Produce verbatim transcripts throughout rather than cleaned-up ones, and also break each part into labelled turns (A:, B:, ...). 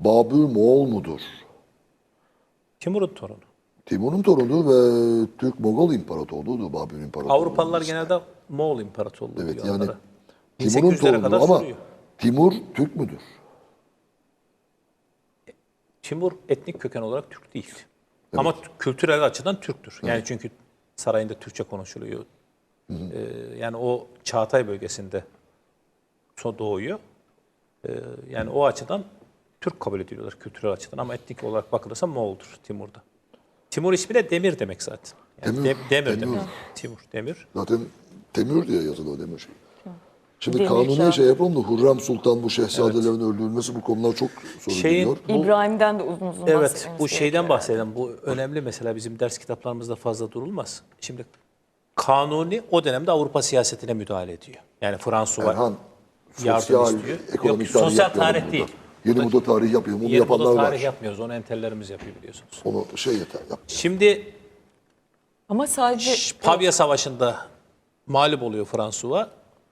A: Babür Moğol mudur?
B: Timur'un torunu.
A: Timur'un torunu ve Türk-Mogol İmparatorluğu'dur Babür İmparatorluğu.
B: Avrupalılar genelde Moğol İmparatorluğu
A: Evet,
B: diyor
A: yani
B: onlara.
A: Timur'un
B: bin sekiz yüzlere
A: torunu
B: kadar
A: ama
B: sürüyor.
A: Timur Türk müdür?
B: Timur etnik köken olarak Türk değil. Ama kültürel açıdan Türktür. Yani çünkü sarayında Türkçe konuşuluyor. Ee, yani o Çağatay bölgesinde so- doğuyor. Ee, yani o açıdan Türk kabul ediliyorlar kültürel açıdan ama etnik olarak bakılırsa Moğol'dur Timur'da. Timur ismi de Demir demek zaten. Yani
A: Demir,
B: de- demir,
A: demir.
B: demek. Timur, Demir.
A: Zaten Temür diye yazılı Demir şey. Şimdi
C: Demir
A: kanuniye
C: Şah.
A: şey yapalım da Hürrem Sultan bu şehzadelerin öldürülmesi bu konular çok sorun
B: Şeyin-
A: ediyor.
B: Bu-
C: İbrahim'den de uzun uzun
B: Evet,
C: bahsetmemiz
B: bu şeyden
C: gerekiyor.
B: bahsedelim. Bu önemli mesela bizim ders kitaplarımızda fazla durulmaz. Şimdi Kanuni o dönemde Avrupa siyasetine müdahale ediyor. Yani Fransız
A: Erhan,
B: yardım
A: sosyal,
B: istiyor.
A: ekonomik
B: Yok,
A: tarih
B: sosyal
A: yapmayalım
B: tarih
A: burada.
B: değil.
A: Yeni moda tarih yapmayalım. Onu
B: Yeni moda
A: yapanlar
B: tarih
A: var.
B: yapmıyoruz. Onu entellerimiz yapıyor biliyorsunuz.
A: Onu şey yeter yap.
B: Şimdi
C: Ama sadece
B: Şş, Pavia Savaşı'nda mağlup oluyor Fransua.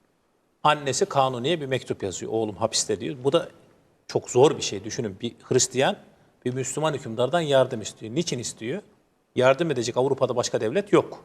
B: Annesi Kanuni'ye bir mektup yazıyor. Oğlum hapiste diyor. Bu da çok zor bir şey. Düşünün bir Hristiyan bir Müslüman hükümdardan yardım istiyor. Niçin istiyor? Yardım edecek Avrupa'da başka devlet yok.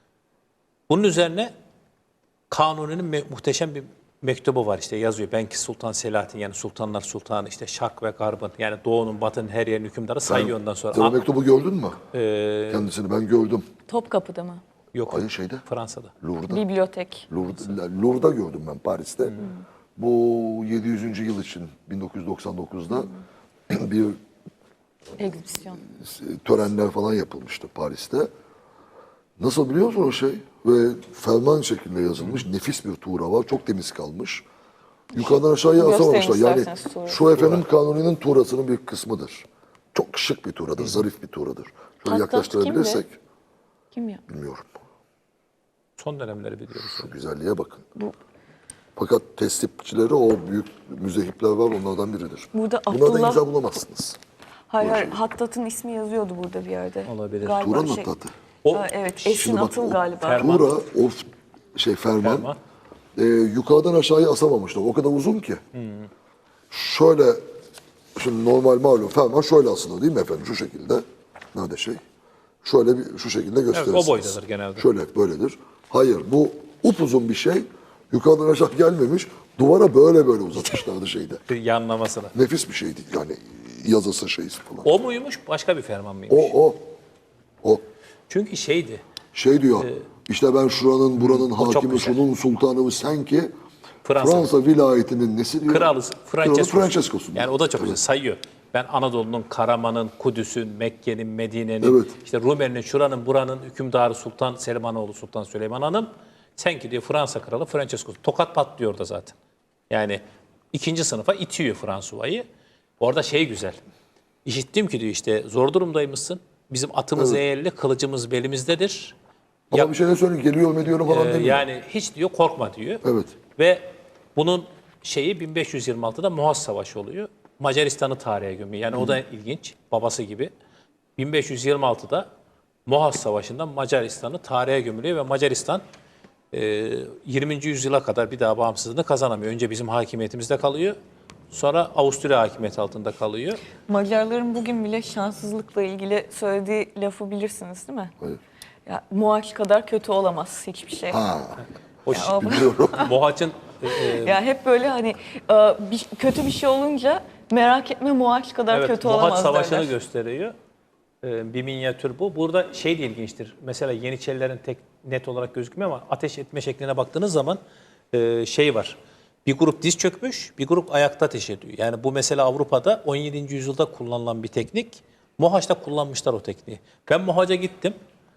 B: Bunun üzerine Kanuni'nin me- muhteşem bir mektubu var işte yazıyor. Ben ki Sultan Selahattin yani Sultanlar Sultanı işte Şark ve Garb'ın yani Doğu'nun Batı'nın her yerin hükümdarı sayıyor ondan sonra.
A: Sen o
B: Aa,
A: mektubu gördün mü?
B: e,
A: Kendisini ben gördüm.
C: Topkapı'da mı?
B: yok
A: Hayır şeyde.
B: Fransa'da.
A: Louvre'da.
C: Bibliotek.
A: Louvre'da, Louvre'da gördüm ben Paris'te. Bu yedi yüzüncü yıl için bin dokuz yüz doksan dokuzda bir
C: Egzibisyon.
A: törenler falan yapılmıştı Paris'te. Nasıl biliyor musun o şey? Ve ferman şeklinde yazılmış. Nefis bir tuğra var. Çok temiz kalmış. Yukarıdan aşağıya
C: Gösterin
A: asamamışlar. Yani
C: isterseniz tuğrayı.
A: şu efendim Kanuni'nin tuğrasının bir kısmıdır. Çok şık bir tuğradır. Zarif bir tuğradır. Şöyle
C: Hattat
A: yaklaştırabilirsek.
C: Kim ya?
A: Bilmiyorum.
B: Son dönemleri biliyoruz.
A: Şu güzelliğe bakın. Fakat teslimçileri o büyük müzehipler var. Onlardan biridir.
C: Burada
A: Bunlardan
C: Abdullah-
A: imza bulamazsınız.
C: Hayır, hayır. Hattat'ın ismi yazıyordu burada bir yerde.
B: Olabilir.
C: Galiba
A: Tuğra'nın
C: şey-
A: hattatı.
B: O
C: Aa, evet, Esin
A: Şimdi bak,
C: Atıl
A: o
C: galiba.
B: Ferman.
A: Tuğra, o f- şey ferman,
B: Ferman.
A: e, yukarıdan aşağıya asamamışlar. O kadar uzun ki. Şöyle, şimdi normal malum ferman şöyle asılır değil mi efendim? Şu şekilde. Nerede şey? Şöyle bir şu şekilde gösterirsiniz.
B: boydadır genelde.
A: Şöyle böyledir. Hayır, bu upuzun bir şey. Yukarıdan aşağı gelmemiş. Duvara böyle böyle uzatmışlardı şeyde.
B: bir yanlamasına.
A: Nefis bir şeydi yani yazısı şeysi falan.
B: O muymuş başka bir ferman mıymış?
A: O, o, o.
B: Çünkü şeydi.
A: Şey diyor, işte ben şuranın buranın
B: çok
A: hakimi,
B: güzel.
A: şunun sultanı sen ki
B: Fransa.
A: Fransa, vilayetinin nesi diyor?
B: Kralı Francesco.
A: Kralı Francesco'sun.
B: Yani o da çok
A: Evet.
B: güzel sayıyor. Ben Anadolu'nun, Karaman'ın, Kudüs'ün, Mekke'nin, Medine'nin,
A: Evet.
B: işte Rumeli'nin, şuranın, buranın hükümdarı Sultan Selimanoğlu Sultan Süleyman Hanım. Sen ki diyor Fransa kralı Francesco. Tokat patlıyor da zaten. Yani ikinci sınıfa itiyor Fransuva'yı. Orada şey güzel. İşittim ki diyor işte zor durumdaymışsın. Bizim atımız eğerli, kılıcımız belimizdedir.
A: Ama
B: Ya-
A: bir şey de söyleyeyim, geliyor mu diyorum falan
B: Ee,
A: demiyor.
B: yani hiç diyor korkma diyor.
A: Evet.
B: Ve bunun şeyi bin beş yüz yirmi altıda Muhaz Savaşı oluyor. Macaristan'ı tarihe gömüyor. Yani o da ilginç. Babası gibi. bin beş yüz yirmi altıda Muhaz Savaşı'nda Macaristan'ı tarihe gömülüyor ve Macaristan e, yirminci yüzyıla kadar bir daha bağımsızlığını kazanamıyor. Önce bizim hakimiyetimizde kalıyor. Sonra Avusturya hakimiyeti altında kalıyor.
C: Macarların bugün bile şanssızlıkla ilgili söylediği lafı bilirsiniz değil mi?
A: Hayır.
C: Ya, Muaç kadar kötü olamaz hiçbir şey.
A: Ha,
B: O
C: Ya,
A: biliyorum.
B: Mohaç'ın e, e,
C: ya hep böyle hani e, bir, kötü bir şey olunca merak etme Muaç kadar
B: evet,
C: kötü
B: Mohaç
C: olamaz
B: Savaşı'nı
C: derler.
B: gösteriyor. Ee, bir minyatür bu. Burada şey de ilginçtir. Mesela Yeniçerilerin tek net olarak gözükmüyor ama ateş etme şekline baktığınız zaman e, şey var. Bir grup diz çökmüş, bir grup ayakta ateş ediyor. Yani bu mesela Avrupa'da on yedinci yüzyılda kullanılan bir teknik. Mohaç'ta kullanmışlar o tekniği. Ben Mohaç'a gittim.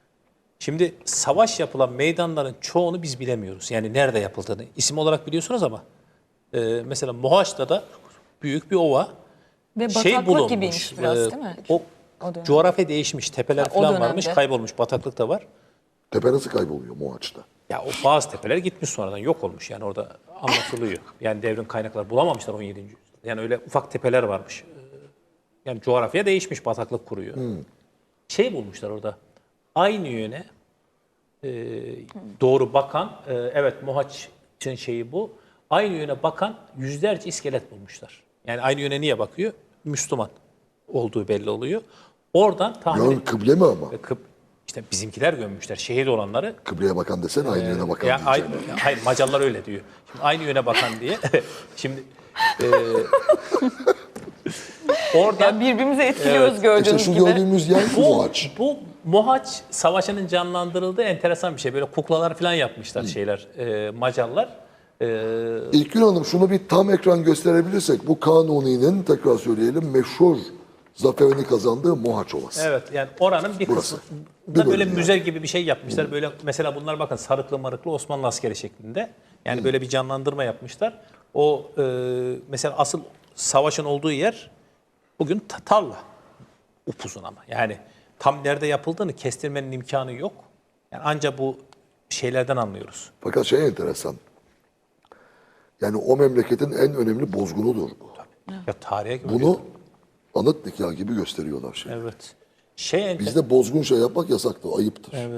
B: Şimdi savaş yapılan meydanların çoğunu biz bilemiyoruz. Yani nerede yapıldığını. İsim olarak biliyorsunuz ama e, mesela Mohaç'ta da büyük bir ova.
C: Ve
B: şey
C: bataklık
B: bulunmuş.
C: gibiymiş biraz
B: e,
C: değil mi?
B: O,
C: O dönem.
B: coğrafya değişmiş. Tepeler
C: Ha, o
B: falan
C: dönemde.
B: varmış. Kaybolmuş. Bataklık da var.
A: Tepe nasıl kayboluyor Moğaç'ta?
B: Ya o bazı tepeler gitmiş sonradan. Yok olmuş. Yani orada anlatılıyor. Yani devrin kaynakları bulamamışlar on yedinci yüzyılda. Yani öyle ufak tepeler varmış. Ee, Yani coğrafya değişmiş. Bataklık kuruyor. Şey bulmuşlar orada. Aynı yöne e, doğru bakan, e, evet Mohaç'ın şeyi bu. Aynı yöne bakan yüzlerce iskelet bulmuşlar. Yani aynı yöne niye bakıyor? Müslüman olduğu belli oluyor. Oradan tahmin
A: Yön kıble mi ama?
B: Kıp- işte bizimkiler gömmüşler. Şehit olanları.
A: Kıbleye bakan desene aynı yöne bakan
B: Ya, ay-
A: diyeceğim.
B: hayır Macarlar öyle diyor. Şimdi aynı yöne bakan diye. Şimdi e, oradan
C: Yani birbirimizi etkiliyoruz
B: Evet.
C: gördüğünüz
A: İşte şu
C: gibi.
A: gördüğümüz yer
B: bu,
A: Mohaç.
B: bu Mohaç Savaşı'nın canlandırıldığı enteresan bir şey. Böyle kuklalar falan yapmışlar şeyler e, Macarlar. E,
A: İlkgün Hanım şunu bir tam ekran gösterebilirsek bu Kanuni'nin tekrar söyleyelim meşhur zaferini kazandığı Mohaç Ovası.
B: evet yani oranın bir
A: Burası.
B: kısmı
A: Bir
B: da böyle
A: bölüm
B: müze gibi bir şey yapmışlar. Böyle mesela bunlar bakın sarıklı marıklı Osmanlı askeri şeklinde. Yani böyle bir canlandırma yapmışlar. O e, mesela asıl savaşın olduğu yer bugün ta- tarla. Upuzun ama. Yani tam nerede yapıldığını kestirmenin imkanı yok. Yani ancak bu şeylerden anlıyoruz.
A: Fakat şey enteresan. Yani o memleketin en önemli bozgunudur bu.
B: Ya tarihe göre.
A: Bunu anıt nikah gibi gösteriyorlar şey.
B: Evet. Şey enter-
A: Bizde bozgun şey yapmak yasaktır, ayıptır.